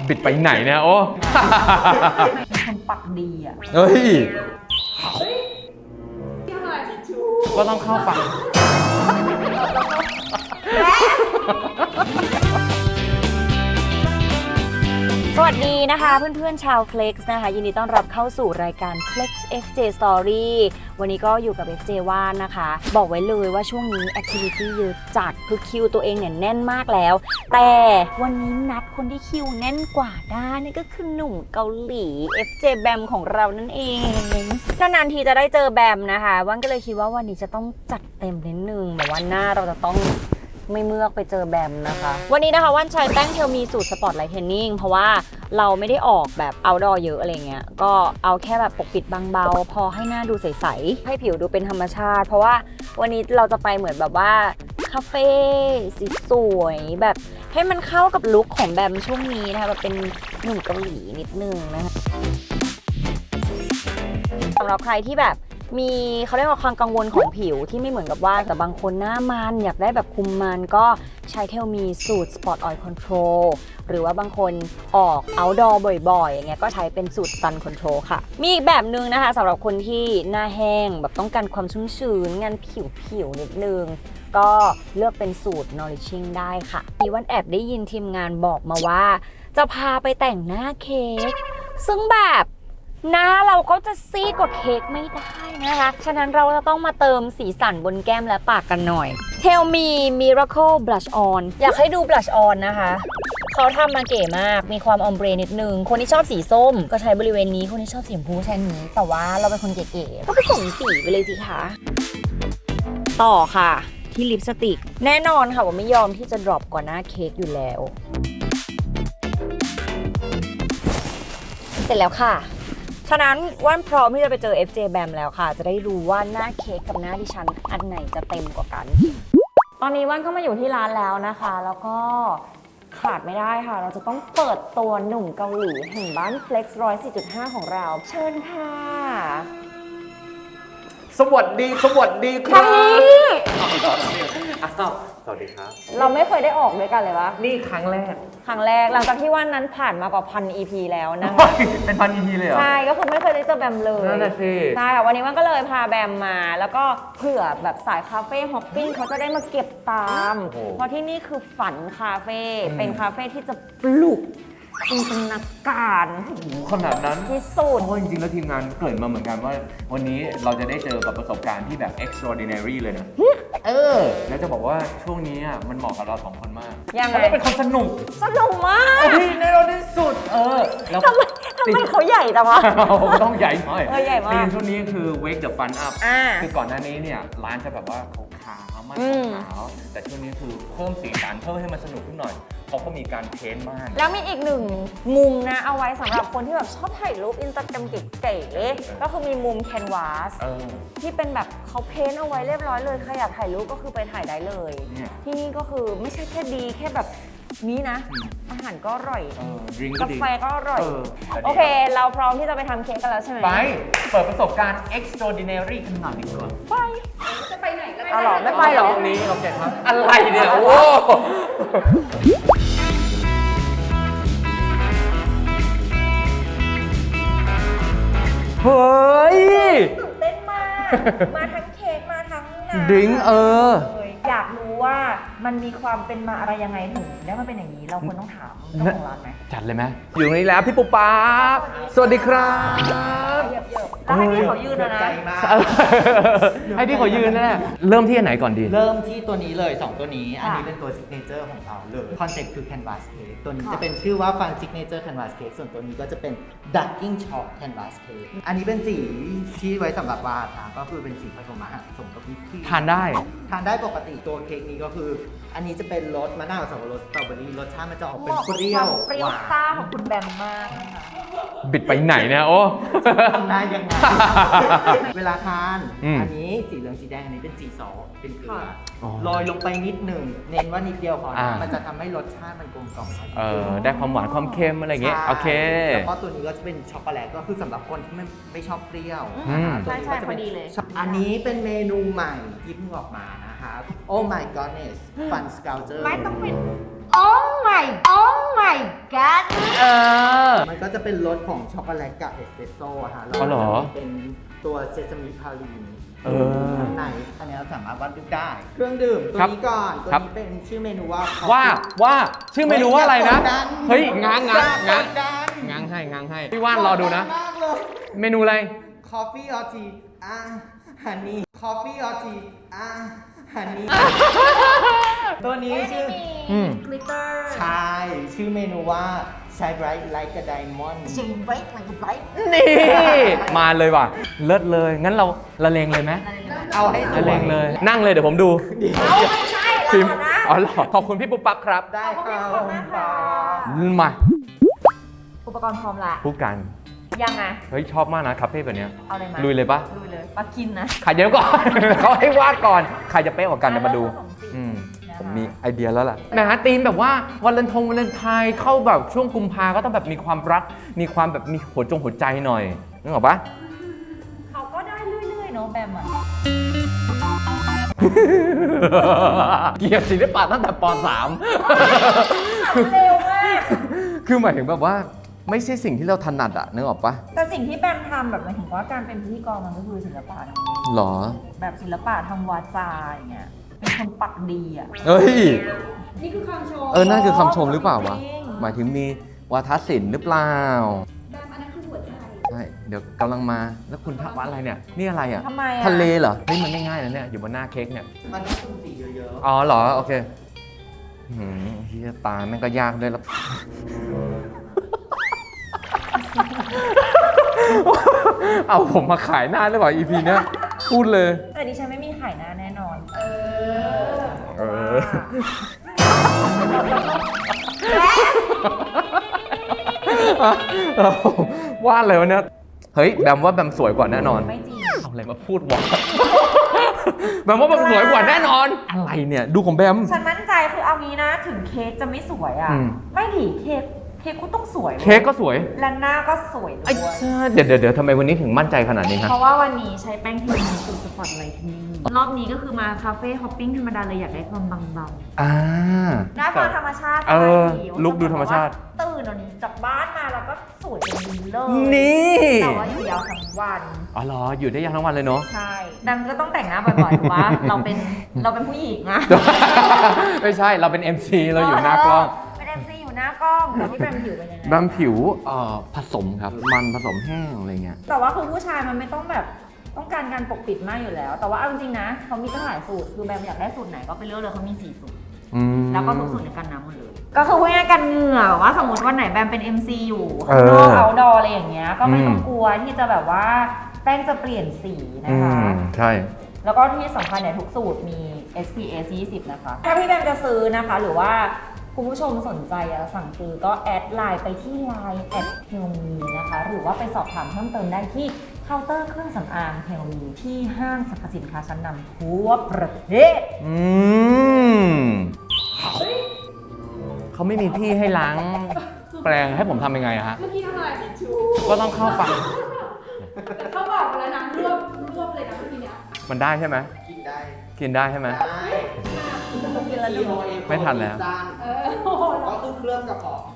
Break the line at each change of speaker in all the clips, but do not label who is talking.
บิดไปไหนเนี่ยโอ้
เป็นคนปักดีอ่ะ
เฮ้ยก็ต้องเข้าฝั่ง
สวัสดีนะคะเพื่อนๆชาว Flex นะคะยินดีต้อนรับเข้าสู่รายการ Flex FJ Story วันนี้ก็อยู่กับ FJ ว่านนะคะบอกไว้เลยว่าช่วงนี้ Activity เยอะจัดคือคิวตัวเองเนี่ยแน่นมากแล้วแต่วันนี้นัดคนที่คิวแน่นกว่าได้นี่ก็คือหนุ่มเกาหลี FJ แบมของเรานั่นเองนานๆทีจะได้เจอแบมนะคะว่านก็เลยคิดว่าวันนี้จะต้องจัดเต็มนิดนึงแบบว่าหน้าเราจะต้องไม่เมือกไปเจอแบมนะคะวันนี้นะคะว่านใช้แป้งเทลมีสูตรสปอตไลท์เทนนิ่งเพราะว่าเราไม่ได้ออกแบบเอาท์ดอร์เยอะอะไรเงี้ยก็เอาแค่แบบปกปิดบางเบาพอให้หน้าดูใสๆให้ผิวดูเป็นธรรมชาติเพราะว่าวันนี้เราจะไปเหมือนแบบว่าคาเฟ่สีสวยแบบให้มันเข้ากับลุคของแบมช่วงนี้นะคะแบบเป็นหนุ่มเกาหลีนิดนึงนะคะสำหรับใครที่แบบมีเขาเรียกว่าความกังวลของผิวที่ไม่เหมือนกับว่าแต่บางคนหน้ามันอยากได้แบบคุมมันก็ใช้เทลมีสูตร Spot Oil Control หรือว่าบางคนออก outdoor บ่อยๆอย่างเงี้ยก็ใช้เป็นสูตร Sun Control ค่ะมีอีกแบบนึงนะคะสำหรับคนที่หน้าแห้งแบบต้องการความชุ่มชื้นงานผิวนิดนึงก็เลือกเป็นสูตร Nourishing ได้ค่ะมีวันแอบได้ยินทีมงานบอกมาว่าจะพาไปแต่งหน้าเค้กซึ่งแบบหน้าเราก็จะซีดกว่าเค้กไม่ได้นะคะฉะนั้นเราจะต้องมาเติมสีสันบนแก้มและปากกันหน่อย Tell Me Miracle Blush On อยากให้ดู Blush On นะคะเขาทำมาเก๋มากมีความออมเบรนิดนึงคนที่ชอบสีส้มก็ใช้บริเวณนี้คนที่ชอบสีชมพูใช้นี้แต่ว่าเราเป็นคนเก๋ๆก็ผสมสีไปเลยสิคะต่อค่ะที่ลิปสติกแน่นอนค่ะว่าไม่ยอมที่จะดรอปกว่าหน้าเค้กอยู่แล้วเสร็จแล้วค่ะฉะนั้นว่านพร้อมที่จะไปเจอ FJ Bam แล้วค่ะจะได้รู้ว่าหน้าเค้กกับหน้าดิฉันอันไหนจะเต็มกว่ากันตอนนี้ว่านก็มาอยู่ที่ร้านแล้วนะคะแล้วก็ขาดไม่ได้ค่ะเราจะต้องเปิดตัวหนุ่มเกาหลีแห่งบ้าน Flex 104.5 ของเราเชิญค่ะ
สวัสดีครับอ้าวสวัสดีครับ
เราไม่เคยได้ออกด้วยกันเลยวะ
นี่ครั้งแรก
หลังจากที่วันนั้นผ่านมากว่า1,000 EP แล้วนะคะ
เป็น1,000 EP เลยเหรอ
ใช่ก็คือไม่เคยได้เจอแบมเลย
นั่นแหละสิ
ใช่ค่ะวันนี้วันก็เลยพาแบมมาแล้วก็เผื่อแบบสายคาเฟ่ฮอปปิ้งเขาจะได้มาเก็บตามเพราะที่นี่คือฝันคาเฟ่เป็นคาเฟ่ที่จะปลุกจินตนาการ
ขนาดนั้น
ที่สุด
เพราะจริงๆแล้วทีมงานเกริ่นมาเหมือนกันว่าวันนี้เราจะได้เจอกับประสบการณ์ที่แบบ extraordinary เลยนะแล้วจะบอกว่าช่วงนี้มันเหมาะกับเรา2 คนมาก
ยังไง
เราเป็นคนสนุก
มาก
ในเราที่สุด
แล้วทำไมเขาใหญ่จังวะ
ต้องใหญ่หน่อย
ใหญ่มาก
ทีมช่วงนี้คือ wake the fun up คือก่อนหน้านี้เนี่ยร้านจะแบบว่าขาวๆมันขาวแต่ช่วงนี้คือเพิ่มสีสันเพิ่มให้มันสนุกขึ้นหน่อยเขาก็มีการเพ้นท์ม่าน
แล้วมีอีกหนึ่งมุมนะเอาไว้สำหรับคนที่แบบชอบถ่ายรูปอินสตาแกรมเก๋ๆก็คือมีมุมแคนวาสที่เป็นแบบเขาเพ้นท์เอาไว้เรียบร้อยเลยใครอยากถ่ายรูปก็คือไปถ่ายได้เลยที่นี่ก็คือไม่ใช่แค่ดีแค่แบบนี้นะอาหารก็อร่อยกาแฟก็อร่อยโอเคเราพร้อมที่จะไปทำเค้กกันแล้วใช่ไหม
ไปเปิดประสบการณ์ extraordinary กันหน่อยดีกว่า
ไปจะไปไหนก็ได้หรอไม่ไปหรอ
ตรงนี้โอเคครับอะไรเนี่ยโอ้เฮ้ย
ตื่นเต้นมากมาทั้งเค้กมาทั้งน้ำ
ดิ้ง
อยากรู้ว่ามันมีความเป็นมาอะไรยังไงถึงได้มาเป็นอย่างนี้เราควรต้องถามเจ้าของร้านไหม
จัดเลยไหมอยู่ตรงนี้แล้วพี่ปุ๊บป๊าสวัสดีครับ
แล้วให้พี่เขายืนนะ
ให้พี่เขายืนนะเริ่มที่อันไหนก่อนดี
เริ่มที่ตัวนี้เลย2ตัวนี้อันนี้เป็นตัวซิกเนเจอร์ของเราเลยคอนเซ็ปต์คือ Canvas Cake ตัวนี้จะเป็นชื่อว่า Fun Signature Canvas Cake ส่วนตัวนี้ก็จะเป็น Ducking Chalk Canvas Cake อันนี้เป็นสีที่ไว้สำหรับวาดนะก็คือเป็นสีผสมอาหารผสมกับวิปครีม
ทานได้
ปกติตัวเค้กนี้ก็คืออันนี้จะเป็นรสมะนาวสับปะรดสตรอเบอรี่รสชาติมันจะออกเป็นเปรี้ยว
ซ่าของคุณแบมมาก
บิดไปไหนเนี่ยโอ้
ทำได้ยังไงเวลาทานอันนี้สีเหลืองสีแดงอันนี้เป็นสีซอสเป็นเกลือโรยลงไปนิดหนึ่งเน้นว่านิดเดียวพอมันจะทำให้รสชาติมันกลมกล่อม
ได้ความหวานความเค็มอะไรอย่างเงี้ยโอเค
แล้วก็ตัวนี้ก็จะเป็นช็อกโกแลตก็คือสำหรับคนที่ไม่ชอบเปรี้ยว
ตัวนี้ก็จะเป็น
อันนี้เป็นเมนูใหม่ที่เพิ่งออกมานะคะ Oh my goodness Fun Sculpture
ไม่ต้องเป็น Oh my my god
มันก็จะเป็นรสของช็อกโกแลตกับเอสเปรสโซ่อะค่ะแล้ว
อ๋อเหรอ
จะมีเป็นตัวเซซามิพาลีน
อ
ข้างในอันนี้เราสามารถวัดดูได้ เครื่องดื่มตัว
ครับ
นี้ก่อนตัว
ครับ
นี้เป็นชื่อเมนูว่า
ว่าชื่อเมนูว่าอะไรนะ เฮ้ยง้าง
ดัน
ง้างให้พี่ว่านรอดูนะ
มากเลย
เมนูอะไร
Coffee or tea ฮันนี่ Coffee or tea ฮันนี่ ตัวนี้ชื่อ
อืม
กลิตเตอร์
ใช่ ชื่อเมนูว่า Shine Bright Like a Diamond
ชิงไว้ไว้ไว้
นี่ มาเลยว่ะ เลิศเลย งั้นเราละเลงเลยไหม
เอาให้ส
ละ
ว
เลย งเลย นั่งเลยเดี๋ยวผมดู
เอาไม่ใช่
พิม
แล้วนะ
อ๋อเหรอขอบคุณพี่ปุ๊บปั๊บครับ
ได้ค่ะ
ขอบคุณค่ะ
มา
อุปกรณ์พร้อมละ
พูดกัน
ยังไง
เฮ้ยชอบมากนะคาเฟ่แบบเนี้ย
เอาอะไรมา
ลุยเลยปะ
ลุยเลยปลากินนะ
ใครเดี๋ยวก่อน เขาให้วาดก่อน ใครจะเป๊ะกว่ากันเดี๋ยวมาดู
ผสมสี
อืม
นะคะ
ผมมีไอเดียแล้วล่ะนะฮะธีมแบบว่าวันเลนไทน์เข้าแบบช่วงกุมภาก็ต้องแบบมีความรัก มีความแบบมีหัวใจหน่อยนึกออกปะ
เขาก็ได้เรื่อยๆเนาะแบมอ่ะ
เกลียดศิลปะตั้งแต่ป
เร็วมาก
.3 คือหมายถึงแบบว่าไม่ใช่สิ่งที่เราถนัดอะนึกออกปะ
แต่สิ่งที่แบมทำแบบหมายถึงว่าการเป็นพิธีกรมันก็คือศิลปะนะ
หรอ
แบบศิลปะทางวาจาอย่างเงี้ย เป็นคนปักดีอ่ะ
เอ้ย
นี่คือคำชม
นั่นคือคำชมหรือเปล่าวะ
จริง
หมายถึงมีวาทศิลป์หรือเปล่า
แบมอันนั้นคือหัวใจ
ใช่ เดี๋ยวกำลังมา แล้วคุณทักว่าอะไรเนี่ย นี่อะไรอ่ะ
ทำไมอะ
ทะเลเหรอ เฮ้ยมันง่ายๆนะเนี่ย อยู่บนหน้าเค้กเนี่ย
มันต้องเป็นสีเยอะ
อ๋อเหรอ โอเคเฮียตาแม่งก็ยากด้วยแล้ว เอาผมมาขายหน้าหรือเปล่า EP เนี้ยพูดเลย
แต่ดิฉันไม่มีไข่หน้าแน่นอน
เออ ว่าอะไรวะเนี่ย เฮ้ยแบมว่าแบมสวยกว่าแน่นอน
ไม่จริง
เอาอะไรมาพูดวะ แบมว่าแบมสวยกว่าแน่นอน อะไรเนี่ย ดูของแบม
ฉันมั่นใจคือเอางี้นะ ถึงเค้กจะไม่สวยอ่ะ
อืม
ไม่ดิเค้กก็ต้องสวยว้ย
เค้กก็สวย
และหน้าก็สวยด้
ไอ้
วย
เจ้าเดี๋ยวทำไมวันนี้ถึงมั่นใจขนาดนี้ฮะ
เพราะว่าวันนี้ใช้แป้งเทียมสูตรสปอตไลท์นิ่งรอบนี้ก็คือมาคาเฟ่ฮอปปิ้งธรรมดาเลยอยากได้ความเบา
อ่า
ๆหน้าความธรรมชาติ
เออ
สบาย
ลุคดูธรรมชาติ
ตื่นวันนี้จากบ้านมาแล้วก็สวยจนดีเลย
นี่
แต่ว่าอยู่ยาวทั้งวัน
อ๋อเหรอ อยู่ได้ยังทั้งวันเลยเนาะ
ใช่ดังก็ต้องแต่งหน้าบ่อยๆถูกปะเราเป็นผู้หญิงอะ
ไม่ใช่ เราเป็น MC เราอยู่หน้ากล้อง
เป็น MC อยู่หน้ากล้องแล้วพี่แบมผิวเป็นยังไง
แบมผิวผสมครับ มันผสมแห้งอะไรเงี้ย
แต่ว่าคือผู้ชายมันไม่ต้องแบบต้องการการปกปิดมากอยู่แล้ว แต่ว่าเอาจริงๆนะเขามีตั้งหลายสูตรคือแบมอยากได้สูตรไหนก็ไปเลือกเลยเขามี4สูตร แล้วก็ทุกสูตรในกันน้ำหมดเลย ก็คือพูดง่ายๆกันเหงื่อแบบว่าสมมติวันไหนแบมเป็น MC อยู่ข้างนอกเอาดออะไรอย่างเงี้ยก็ไม่ต้องกลัวที่จะแบบว่าแป้งจะเปลี่ยนสีนะคะ
ใช่
แล้วก็ที่สำคัญเนี่ยทุกสูตรมี SPF 20 นะคะ ถ้าพี่แบมจะซื้อนะคะ หรือว่าคุณผู้ชมสนใจจะสั่งซื้อก็แอดไลน์ไปที่ Line @helmi นะคะ หรือว่าไปสอบถามเพิ่มเติมได้ที่เคาน์เตอร์เครื่องสำอาง Helmi ที่ห้างสรรพสินค้าชั้นนำทั่วประเทศ
เขาไม่มีที่ให้ล้างแปรงให้ผมทำยังไงอะฮะ
เมื่อกี้ทำอะไรทิชชู่
ก็ต้องเข้าฝั่ง
แต่เขาบอกมาแล้วนะรวบเลยนะเมื่อกี้เนี้ย
มันได้ใช่ไหม
ๆ กินได้
กินได้ใช่ไหม
ได้
ไม่ทันแล้ว
เออโอ้โห
ก็คือเครื่องกระเพาะ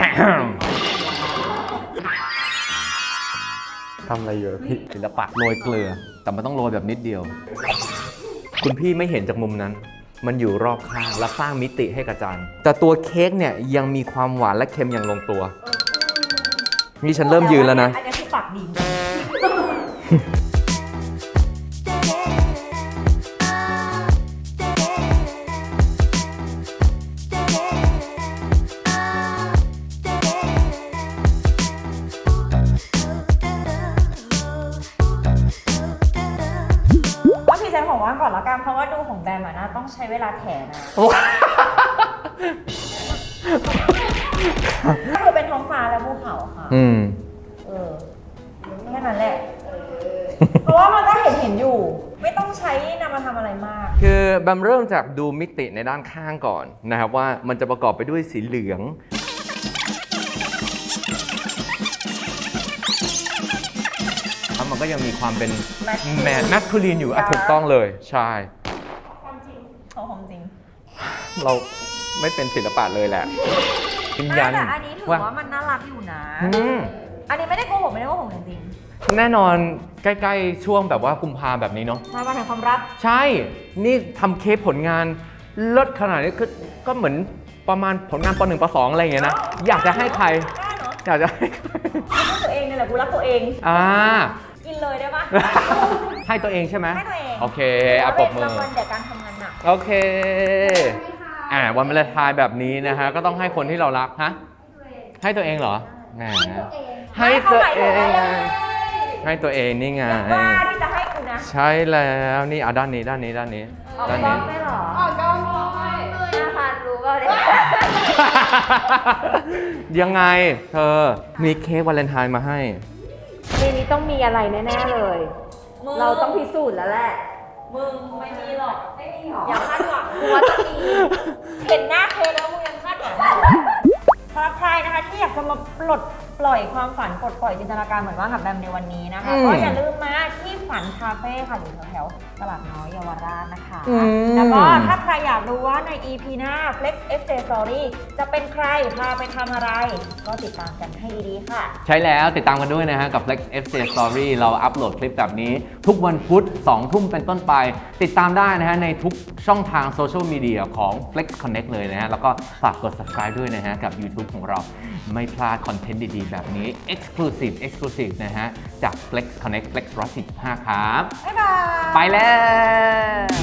ทำอะไรเยอะพี่ศิลปะโรยเกลือ แต่มันต้องโรยแบบนิดเดียว คุณพี่ไม่เห็นจากมุมนั้น มันอยู่รอบข้างและสร้างมิติให้กับจานแต่ตัวเค้กเนี่ยยังมีความหวานและเค็มอย่างลงตัว นี่ฉันเริ่มยืนแล้วนะ
อันนี้คือปากดี ว่าพี่แซมของว่างก่อนละกันเพราะว่าดูของแบมอะนะต้องใช้เวลาแถนะก็คือเป็นท้องฟ้าและภูเขาค่ะ
อืม
เออแค่นั้นแหละ เพราะว่ามันก็เห็นอยู่ ไม่ต้องใช้นำมาทำอะไรมาก
คือแบมเริ่มจากดูมิติในด้านข้างก่อนนะครับว่ามันจะประกอบไปด้วยสีเหลือง แล้วมันก็ยังมีความเป็นแมสคูลีนอยู่อ่ะถูกต้องเลย ใช่
ความจริงของจริง
เราไม่เป็นศิลปะเลยแหละยืนยัน
แต่อันนี้ถือว่ามันน่ารักอยู่นะ
อืม
อันนี้ไม่ได้โกหกจริง
แน่นอนใกล้ๆช่วงแบบว่ากุมภาแบบนี้เนาะ
ๆมาแห่งความรัก
ใช่ นี่ทำเคสผลงานเลิศขนาดนี้ก็เหมือนประมาณผลงานป .1 ป .2 อะไรอย่างเงี้ยนะ อยากจะให้ใคร
ได้เนาะ
อยากจะให้ใคร
รักตัวเองนี่แหละกูรักตัวเอง
อ่า
กินเลยได้ปะ
ให้ตัวเองใช่ไหม
ให้ตัวเอง
โอเคอ่ะปรบมือ
รางวัลเดี๋ยวการทำงานหนัก
โอเค วันวาเลนไทน์แบบนี้นะฮะ ก็ต้องให้คนที่เรารัก ฮะ ให้ตัวเองเหรอแหมให้ตัวเอง ให้ตัวเองนี่ไง
ว่าที่จะให้กูนะ
ใช่แล้วนี่ด้านนี้ด้านนี้ด้านนี้
เอาไป
ด้าน
บล็อ
นี้
กได้เหรอ
อ๋อก็ไม่
5,000รู้เปล่าเนี่ย
ยังไงเธอ มีเค้กวาเลนไทน์มาให้
ในนี้ต้องมีอะไรแน่ๆเลย เราต้องพิสูจน์แล้วแหละ มึงไม่มีหรอก ไม่มีหรอ อย่าคาดหวังกูว่าจะมี เห็นหน้าเคแล้วมึงยังคาดหวังสำหรับใครนะคะที่อยากจะมาปลดปล่อยความฝันปลดปล่อยจินตนาการเหมือนว่ากับแบมในวันนี้นะคะ
อืม
ก็อย่าลืมมาที่ฝันคาเฟ่ค่ะอยู่แถวๆตลาดน้อยเยาวราชนะคะ
อืม
แล้วก็ถ้าใครอยากรู้ว่าใน EP หน้า Flex FJ Story จะเป็นใครพาไปทำอะไร ก็ติดตามกันให้ดีๆค่ะ
ใช่แล้วติดตามกันด้วยนะฮะ กับ Flex FJ Story เราอัปโหลดคลิปแบบนี้ ทุกวันพุธ 2 ทุ่มเป็นต้นไป ติดตามได้นะฮะ ในทุกช่องทางโซเชียลมีเดียของ Flex Connect เลยนะฮะ แล้วก็ฝากกด subscribe ด้วยนะฮะ กับ YouTube ของเราไม่พลาดคอนเทนต์ดีๆ แบบนี้ Exclusive นะฮะ จาก Flex Connect Flex 145ครับ
บ๊ายบาย
ไปแล้ว